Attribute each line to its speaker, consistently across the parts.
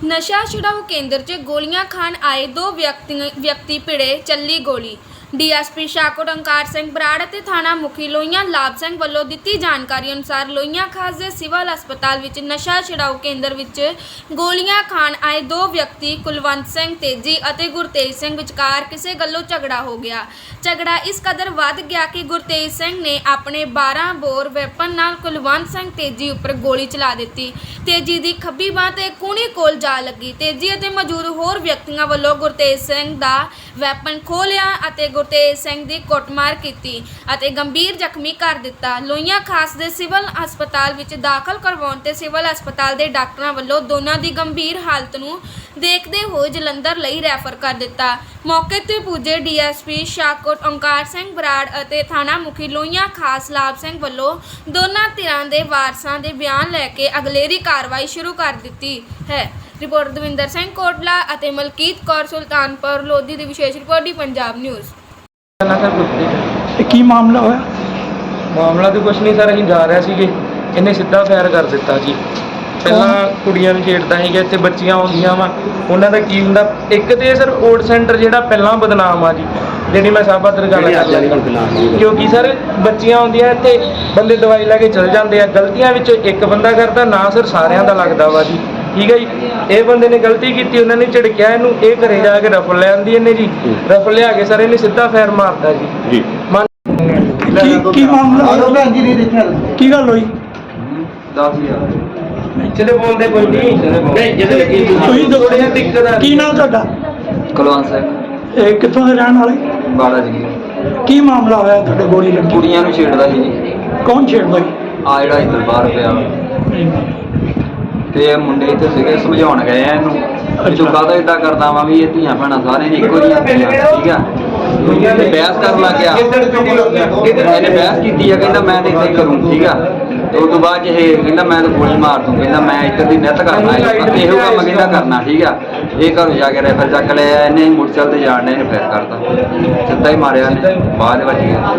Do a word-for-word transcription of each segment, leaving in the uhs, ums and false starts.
Speaker 1: नशा छुड़ाऊ केंद्र च गोलियां खान आए दो व्यक्ति व्यक्ति भिड़े चली गोली। डीएसपी शाहकोट ओंकार सिंह बराड़ ते थाना मुखी लोहियां लाभ सिंह ਵੱਲੋਂ ਦਿੱਤੀ ਜਾਣਕਾਰੀ ਅਨੁਸਾਰ ਲੋਹੀਆਂ ਖਾਸ ਦੇ ਸਿਵਲ ਹਸਪਤਾਲ ਵਿੱਚ ਨਸ਼ਾ ਛੁਡਾਊ ਕੇਂਦਰ ਵਿੱਚ ਗੋਲੀਆਂ ਖਾਣ ਆਏ ਦੋ ਵਿਅਕਤੀ ਕੁਲਵੰਤ ਸਿੰਘ ਤੇਜੀ ਅਤੇ ਗੁਰਤੇਜ ਸਿੰਘ ਵਿਚਕਾਰ ਕਿਸੇ ਗੱਲੋਂ ਝਗੜਾ ਹੋ ਗਿਆ। ਝਗੜਾ ਇਸ ਕਦਰ ਵੱਧ ਗਿਆ ਕਿ ਗੁਰਤੇਜ ਸਿੰਘ ਨੇ ਆਪਣੇ ਬਾਰਾਂ ਬੋਰ ਵੈਪਨ ਨਾਲ ਕੁਲਵੰਤ ਸਿੰਘ ਤੇਜੀ ਉੱਪਰ ਗੋਲੀ ਚਲਾ ਦਿੱਤੀ। ਤੇਜੀ ਦੀ ਖੱਬੀ ਬਾਂਹ ਤੇ ਕੂਹਣੀ ਕੋਲ ਜਾ ਲੱਗੀ। ਤੇਜੀ ਅਤੇ ਮੌਜੂਦ ਹੋਰ ਵਿਅਕਤੀਆਂ ਵੱਲੋਂ ਗੁਰਤੇਜ ਸਿੰਘ ਦਾ ਵੈਪਨ ਖੋਹ ਲਿਆ ਅਤੇ ਗੁਰਤੇਜ ਸਿੰਘ ਦੀ ਕੁੱਟਮਾਰ ਕੀਤੀ ਅਤੇ ਗੰਭੀਰ ਜ਼ਖਮੀ ਕਰ ਦਿੱਤਾ। ਲੋਹੀਆਂ ਖਾਸ ਦੇ ਸਿਵਲ ਹਸਪਤਾਲ ਵਿੱਚ ਦਾਖਲ ਕਰਵਾਉਣ ਤੇ ਸਿਵਲ ਹਸਪਤਾਲ ਦੇ ਡਾਕਟਰਾਂ ਵੱਲੋਂ ਦੋਨਾਂ ਦੀ ਗੰਭੀਰ ਹਾਲਤ ਨੂੰ ਦੇਖਦੇ ਹੋਏ ਜਲੰਧਰ ਲਈ ਰੈਫਰ ਕਰ ਦਿੱਤਾ। ਮੌਕੇ ਤੇ ਪੁੱਜੇ ਡੀਐਸਪੀ ਸ਼ਾਹਕੋਟ ओंकार सिंह बराड़ ਅਤੇ थाना मुखी ਲੋਹੀਆਂ ਖਾਸ ਲਾਭ ਸਿੰਘ ਵੱਲੋਂ ਦੋਨਾਂ ਧਿਰਾਂ ਦੇ ਵਾਰਸਾਂ ਦੇ ਬਿਆਨ ਲੈ ਕੇ ਅਗਲੇਰੀ ਕਾਰਵਾਈ ਸ਼ੁਰੂ ਕਰ ਦਿੱਤੀ ਹੈ। ਰਿਪੋਰਟ ਦਵਿੰਦਰ ਸਿੰਘ ਕੋਟਲਾ ਅਤੇ ਮਲਕੀਤ ਕੌਰ ਸੁਲਤਾਨਪੁਰ ਲੋਧੀ ਦੀ ਵਿਸ਼ੇਸ਼ ਰਿਪੋਰਟ ਦੀ ਪੰਜਾਬ ਨਿਊਜ਼।
Speaker 2: ਕੀ ਮਾਮਲਾ ਹੋਇਆ?
Speaker 3: ਮਾਮਲਾ ਤਾਂ ਕੁਛ ਨਹੀਂ ਸਰ, ਅਸੀਂ ਜਾ ਰਹੇ ਸੀਗੇ, ਇਹਨੇ ਸਿੱਧਾ ਫਾਇਰ ਕਰ ਦਿੱਤਾ ਜੀ। ਪਹਿਲਾਂ ਕੁੜੀਆਂ ਨੂੰ ਛੇੜਦਾ ਸੀਗਾ, ਇੱਥੇ ਬੱਚੀਆਂ ਆਉਂਦੀਆਂ ਵਾ, ਉਹਨਾਂ ਦਾ ਕੀ ਹੁੰਦਾ। ਇੱਕ ਤੇ ਸਰ ਓਲਡ ਸੈਂਟਰ ਜਿਹੜਾ ਪਹਿਲਾਂ ਬਦਨਾਮ ਆ ਜੀ, ਜਿਹੜੀ ਮੈਂ ਸਾਬਾ ਦਰ ਗੱਲ ਕਰ ਲੈਂਦਾ, ਕਿਉਂਕਿ ਸਰ ਬੱਚੀਆਂ ਆਉਂਦੀਆਂ ਇੱਥੇ, ਬੰਦੇ ਦਵਾਈ ਲੈ ਕੇ ਚਲ ਜਾਂਦੇ ਆ। ਗਲਤੀਆਂ ਵਿੱਚੋਂ ਇੱਕ ਬੰਦਾ ਕਰਦਾ ਨਾ ਸਰ, ਸਾਰਿਆਂ ਦਾ ਲੱਗਦਾ ਵਾ ਜੀ। ਠੀਕ ਹੈ ਜੀ, ਇਹ ਬੰਦੇ ਨੇ ਗਲਤੀ ਕੀਤੀ, ਉਹਨਾਂ ਨੇ ਝਿੜਕਿਆ ਇਹਨੂੰ, ਇਹ ਘਰੇ ਜਾ ਕੇ ਰਫਲ ਲੈ ਆਂਦੀ ਇਹਨੇ ਜੀ। ਰਫਲ ਲਿਆ ਕੇ ਸਰ ਇਹਨੇ ਸਿੱਧਾ ਫਾਇਰ ਮਾਰਦਾ ਜੀ।
Speaker 2: ਕੀ ਕੀ ਮਾਮਲਾ? ਕੀ ਗੱਲ ਹੋਈ?
Speaker 3: ਦਸ ਹਜ਼ਾਰ ਚਲੇ ਬੋਲਦੇ ਕੋਈ ਨਹੀਂ,
Speaker 2: ਤੁਸੀਂ
Speaker 3: ਥੋੜ੍ਹੀ ਜਿਹੀ ਦਿੱਕਤ ਆ।
Speaker 2: ਕੀ ਨਾਮ ਤੁਹਾਡਾ?
Speaker 4: ਕੁਲਵੰਤ ਸਿੰਘ,
Speaker 2: ਇਹ ਕਿੱਥੋਂ ਦੇ ਰਹਿਣ ਵਾਲੇ?
Speaker 4: ਬਾੜਾ ਜੀ।
Speaker 2: ਕੀ ਮਾਮਲਾ ਹੋਇਆ ਤੁਹਾਡੇ ਗੋਲੀ ਲੱਗੀ?
Speaker 4: ਕੁੜੀਆਂ ਨੂੰ ਛੇੜਦਾ ਸੀ ਜੀ।
Speaker 2: ਕੌਣ ਛੇੜਦਾ ਜੀ?
Speaker 4: ਆ ਜਿਹੜਾ ਇੱਧਰ ਬਾਹਰ ਪਿਆ ਤੇ ਇਹ ਮੁੰਡੇ ਇੱਥੇ ਸੀਗੇ, ਸਮਝਾਉਣ ਗਏ ਆ ਇਹਨੂੰ, ਤੂੰ ਕਾਹਦਾ ਇੱਦਾਂ ਕਰਦਾ ਵਾ, ਵੀ ਇਹ ਧੀਆਂ ਭੈਣਾਂ ਸਾਰੇ ਨੇ ਇੱਕੋ ਜਿਹੀਆਂ ਹੁੰਦੀਆਂ, ਠੀਕ ਆ। ਤੇ ਬਹਿਸ ਕਰਨ ਲੱਗ ਗਿਆ, ਇਹਨੇ ਬਹਿਸ ਕੀਤੀ ਆ, ਕਹਿੰਦਾ ਮੈਂ ਤਾਂ ਇੱਦਾਂ ਹੀ ਕਰੂੰ, ਠੀਕ ਆ। ਤੇ ਉਸ ਤੋਂ ਬਾਅਦ ਇਹ ਕਹਿੰਦਾ ਮੈਂ ਤਾਂ ਗੋਲੀ ਮਾਰ ਦੂੰ, ਕਹਿੰਦਾ ਮੈਂ ਇੱਧਰ ਦੀ ਨਿੱਤ ਕਰਨਾ, ਇਹੋ ਕੰਮ ਕਹਿੰਦਾ ਕਰਨਾ, ਠੀਕ ਆ। ਇਹ ਘਰੋਂ ਜਾ ਕੇ ਰੈਫਰ ਚੱਕ ਲਿਆ, ਇਹਨੇ ਮੋਟਰਸਾਈਕਲ ਤੇ ਜਾਣ ਨੇ ਇਹਨੇ ਫੇਰ ਕਰਤਾ, ਸਿੱਧਾ ਹੀ ਮਾਰਿਆ ਇਹਨੇ, ਬਾਅਦ ਵੱਜ ਗਿਆ।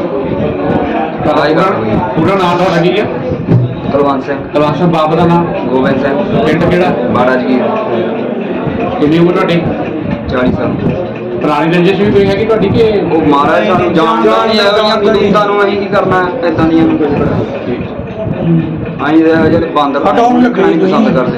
Speaker 5: ਪੂਰਾ ਨਾਮ ਤੁਹਾਡਾ ਕੀ ਹੈ?
Speaker 4: ਕੁਲਵੰਤ ਸਿੰਘ।
Speaker 5: ਕੁਲਵੰਤ ਸਿੰਘ, ਬਾਪ ਦਾ ਨਾਮ?
Speaker 4: ਗੋਬਿੰਦ ਸਿੰਘ।
Speaker 5: ਪਿੰਡ ਕਿਹੜਾ?
Speaker 4: ਬਾੜਾ ਜੀ।
Speaker 5: ਕਿੰਨੀ ਉਮਰ ਤੁਹਾਡੀ?
Speaker 4: ਚਾਲੀ ਸਾਲ।
Speaker 5: ਪੁਰਾਣੀ ਰੰਜਿਸ਼ ਵੀ ਕੋਈ ਹੈਗੀ ਤੁਹਾਡੀ ਕਿ?
Speaker 4: ਉਹ ਮਹਾਰਾਜ ਸਾਨੂੰ ਜਾਣਦਾ ਨਹੀਂ, ਇਹੋ ਜਿਹੀਆਂ ਕਦੂਤਾਂ ਨੂੰ ਅਸੀਂ ਕੀ ਕਰਨਾ, ਇਦਾਂ ਦੀਆਂ ਅਸੀਂ ਜਿਹੜੇ ਬਾਂਦਰ
Speaker 2: ਹਟਾਉਣ ਲੱਗੇ
Speaker 4: ਨਹੀਂ ਪਸੰਦ ਕਰਦੇ।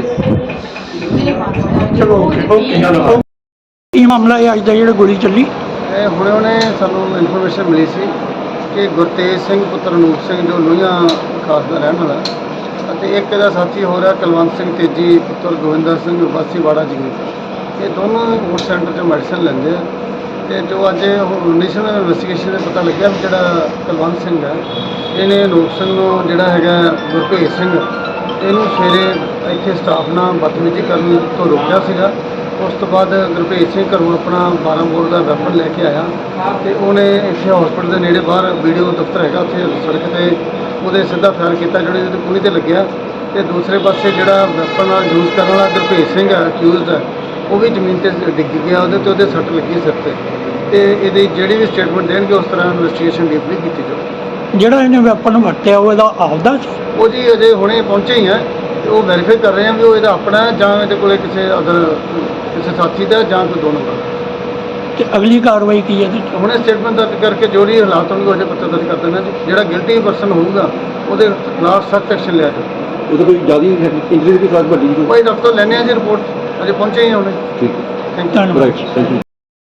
Speaker 2: ਚਲੋ ਓਕੇ ਓਕੇ। ਕੀ ਮਾਮਲਾ ਹੈ ਅੱਜ ਦਾ ਜਿਹੜਾ ਗੋਲੀ ਚੱਲੀ?
Speaker 6: ਇਹ ਹੁਣੇ ਹੁਣੇ ਸਾਨੂੰ ਇਨਫੋਰਮੇਸ਼ਨ ਮਿਲੀ ਸੀ ਕਿ ਗੁਰਤੇਜ ਸਿੰਘ ਪੁੱਤਰ ਅਨੂਪ ਸਿੰਘ, ਜੋ ਲੋਹੀਆਂ ਖਾਸ ਦਾ ਰਹਿਣ ਵਾਲਾ, ਅਤੇ ਇੱਕ ਇਹਦਾ ਸਾਥੀ ਹੋ ਰਿਹਾ ਕੁਲਵੰਤ ਸਿੰਘ ਤੇਜੀ ਪੁੱਤਰ ਗੋਵਿੰਦਰ ਸਿੰਘ ਵਾਸੀ ਵਾੜਾ ਜੀ, ਇਹ ਦੋਨੋਂ ਓਟ ਸੈਂਟਰ 'ਚ ਮੈਡੀਸਨ ਲੈਂਦੇ ਆ। ਅਤੇ ਜੋ ਅੱਜ ਇਨੀਸ਼ੀਅਲ ਇਨਵੈਸਟੀਗੇਸ਼ਨ ਦੇ ਪਤਾ ਲੱਗਿਆ ਵੀ ਜਿਹੜਾ ਕੁਲਵੰਤ ਸਿੰਘ ਹੈ, ਇਹਨੇ ਅਨੂਪ ਸਿੰਘ ਨੂੰ ਜਿਹੜਾ ਹੈਗਾ ਗੁਰਭੇਜ ਸਿੰਘ, ਇਹਨੂੰ ਸਵੇਰੇ ਇੱਥੇ ਸਟਾਫ ਨਾਲ ਬਦਤਮੀਜ਼ੀ ਕਰਨ ਤੋਂ ਰੋਕਿਆ ਸੀਗਾ। ਉਸ ਤੋਂ ਬਾਅਦ ਗੁਰਭੇਜ ਸਿੰਘ ਘਰੋਂ ਆਪਣਾ ਬਾਰਾਂ ਬੋਰ ਦਾ ਵੈਪਨ ਲੈ ਕੇ ਆਇਆ ਅਤੇ ਉਹਨੇ ਇੱਥੇ ਹਸਪੀਟਲ ਦੇ ਨੇੜੇ ਬਾਹਰ ਵੀਡੀਓ ਦਫ਼ਤਰ ਹੈਗਾ, ਉੱਥੇ ਸੜਕ 'ਤੇ ਉਹਦੇ ਸਿੱਧਾ ਫਾਇਰ ਕੀਤਾ, ਜਿਹੜੇ ਉਹਦੇ ਕੂਹਣੀ 'ਤੇ ਲੱਗਿਆ। ਅਤੇ ਦੂਸਰੇ ਪਾਸੇ ਜਿਹੜਾ ਵੈਪਨ ਨਾਲ ਯੂਜ਼ ਕਰਨ ਵਾਲਾ ਗੁਰਭੇਜ ਸਿੰਘ ਹੈ, ਅਕਿਊਜ਼ਡ ਹੈ, ਉਹ ਵੀ ਜ਼ਮੀਨ 'ਤੇ ਡਿੱਗ ਗਿਆ, ਉਹਦੇ 'ਤੇ ਉਹਦੇ ਸੱਟ ਲੱਗੀ ਸਿਰ 'ਤੇ। ਅਤੇ ਇਹਦੀ ਜਿਹੜੀ ਵੀ ਸਟੇਟਮੈਂਟ ਦੇਣਗੇ ਉਸ ਤਰ੍ਹਾਂ ਇਨਵੈਸਟੀਗੇਸ਼ਨ ਡੀਪਲੀ ਕੀਤੀ ਜਾਊਗੀ।
Speaker 2: ਜਿਹੜਾ ਇਹਨੇ ਵੈਪਨ ਵਰਤਿਆ ਉਹ ਇਹਦਾ ਆਪਦਾ ਸੀ?
Speaker 6: ਉਹ ਜੀ ਅਜੇ ਹੁਣੇ ਪਹੁੰਚੇ ਹੀ ਆ, ਅਤੇ ਉਹ ਵੈਰੀਫਾਈ ਕਰ ਰਹੇ ਆ ਵੀ ਉਹ ਇਹਦਾ ਆਪਣਾ ਜਾਂ ਇਹਦੇ ਕੋਲ ਕਿਸੇ ਅਦਰ ਕਿਸੇ ਸਾਥੀ ਦਾ ਜਾਂ ਕੋਈ ਦੋ ਨੰਬਰ।
Speaker 2: ਤੇ ਅਗਲੀ ਕਾਰਵਾਈ ਕੀ ਹੈ ਇਹਦੇ 'ਚ?
Speaker 6: ਹੁਣੇ ਸਟੇਟਮੈਂਟ ਦਰਜ ਕਰਕੇ ਜੋ ਵੀ ਹਾਲਾਤ ਹੋਣਗੇ ਉਹਦੇ ਪੱਤਰ ਦਰਜ ਕਰ ਦੇਣਾ ਜੀ। ਜਿਹੜਾ ਗਿਲਟੀ ਪਰਸਨ ਹੋਊਗਾ ਉਹਦੇ ਖਿਲਾਫ ਸਖਤ ਐਕਸ਼ਨ ਲਿਆ ਜਾਊਗਾ।
Speaker 5: ਉਹਦਾ ਕੋਈ ਜ਼ਿਆਦਾ ਇੰਜਰੀ ਦੀ ਕੋਈ ਵੱਡੀ?
Speaker 6: ਭਾਈ ਡਾਕਟਰ ਲੈਣੇ ਆ ਜੀ ਰਿਪੋਰਟ, ਅਜੇ ਪਹੁੰਚੇ ਹੀ ਹੁਣੇ।
Speaker 5: ਠੀਕ,
Speaker 6: ਥੈਂਕ ਯੂ।
Speaker 2: ਧੰਨਵਾਦ।
Speaker 5: Thank you.